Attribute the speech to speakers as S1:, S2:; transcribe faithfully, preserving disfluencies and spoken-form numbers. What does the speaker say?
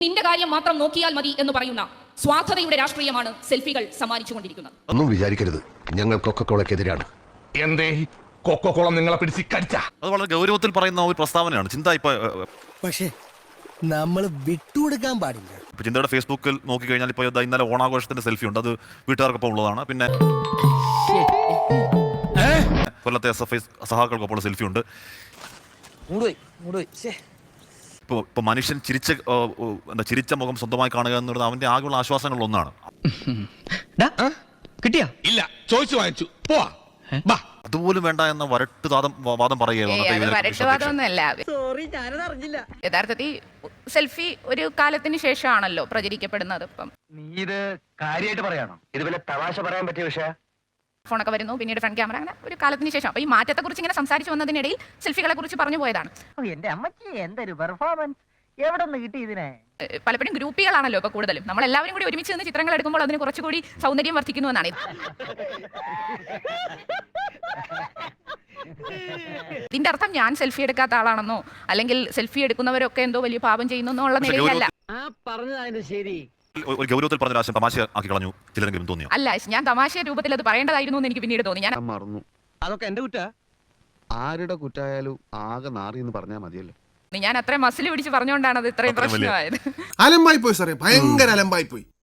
S1: നിന്റെ കാര്യം മാത്രം നോക്കിയാൽ മതി എന്ന് പറയുന്ന സ്വാർത്ഥതയുടെ രാഷ്ട്രീയമാണ് സെൽഫികൾ സമ്മാനിച്ചുകൊണ്ടിരിക്കുന്നത്.
S2: ഒന്നും വിചാരിക്കരുത്, ഞങ്ങൾ കൊക്കക്കോളക്കെതിരാണ്.
S3: എന്തേ കൊക്കക്കോളം നിങ്ങളെ പിടിച്ച് കടിച്ച?
S4: അത് വളരെ ഗൗരവത്തിൽ പറയുന്ന ഒരു പ്രസ്താവനയാണ്. ചിന്ത ഇപ്പൊ
S5: പക്ഷേ നമ്മൾ വിട്ടുകൊടുക്കാൻ പാടില്ല.
S4: ഇപ്പൊ ചിന്തയുടെ ഫേസ്ബുക്കിൽ നോക്കിക്കഴിഞ്ഞാൽ ഇപ്പോൾ ഇന്നലെ ഓണാഘോഷത്തിന്റെ സെൽഫി ഉണ്ട്. അത് വീട്ടുകാർക്കൊപ്പം ഉള്ളതാണ്. പിന്നെ കൊല്ലത്തെ എസ് എഫ് ഐ സഹാക്കൾക്കൊപ്പം സെൽഫി ഉണ്ട്. ഇപ്പോൾ ഇപ്പോൾ മനുഷ്യൻ ചിരിച്ച എന്താ ചിരിച്ച മുഖം സ്വന്തമായി കാണുക എന്നുള്ളത് അവന്റെ ആകെയുള്ള ആശ്വാസങ്ങളിൽ ഒന്നാണ്.
S6: കിട്ടിയാ
S3: ഇല്ല, ചോദിച്ചു വാങ്ങിച്ചു പോവാ.
S4: അതുപോലും വേണ്ട എന്ന വരട്ട് വാദം വാദം പറയുകയാണ്.
S7: യഥാർത്ഥത്തിൽ സെൽഫി ഒരു കാലത്തിന് ശേഷമാണല്ലോ പ്രചരിക്കപ്പെടുന്നത്. ഇപ്പം
S6: നീ ഇത് കാര്യമായിട്ട് പറയാണോ? ഇത് വല്ല തമാശ പറയാൻ പറ്റിയ വിഷയ?
S7: ഫോണൊക്കെ വരുന്നു, പിന്നീട് ഫ്രണ്ട് ക്യാമറ, അങ്ങനെ ഒരു കാലത്തിന് ശേഷം. അപ്പൊ ഈ മാറ്റത്തെ കുറിച്ച് ഇങ്ങനെ സംസാരിച്ചു വന്നതിനിടയിൽ സെൽഫികളെ കുറിച്ച് പറഞ്ഞു പോയതാണ്.
S8: എന്റെ അമ്മച്ചി എന്തൊരു പെർഫോമൻസ്, എവിടെ നിന്ന് കിട്ടി ഇതിനെ?
S7: പലപ്പോഴും ഗ്രൂപ്പികളാണല്ലോ ഇപ്പൊ കൂടുതലും. നമ്മൾ എല്ലാവരും കൂടി ഒരുമിച്ച് നിന്ന് ചിത്രങ്ങൾ എടുക്കുമ്പോൾ അതിന് കുറച്ചുകൂടി സൗന്ദര്യം വർദ്ധിക്കുന്നു എന്നാണ്. ഇതിന്റെ അർത്ഥം ഞാൻ സെൽഫി എടുക്കാത്ത ആളാണെന്നോ അല്ലെങ്കിൽ സെൽഫി എടുക്കുന്നവരൊക്കെ എന്തോ വലിയ പാപം ചെയ്യുന്നു ഉള്ള നിലയിലല്ല.
S4: ഒരു ഗൗരവത്തിൽ പറഞ്ഞ ആശയം തമാശ ആക്കി കളഞ്ഞു ചിലരെങ്കിലും തോന്നിയോ?
S7: അല്ല, ഞാൻ തമാശ രൂപത്തിൽ അത് പറയേണ്ടതായിരുന്നു എന്ന് എനിക്ക് പിന്നീട് തോന്നി. ഞാൻ
S2: മറന്നു.
S6: അതൊക്കെ എന്റെ കുറ്റ.
S2: ആരുടെ കുറ്റായാലും ആകെ നാറി എന്ന് പറഞ്ഞാൽ മതിയല്ലോ.
S7: ഞാൻ അത്രയും മസിൽ പിടിച്ച് പറഞ്ഞുകൊണ്ടാണ് അത് ഇത്രയും പ്രശ്നമായത്.
S9: അലമ്പായി പോയി സാറേ, ഭയങ്കര അലമ്പായി പോയി.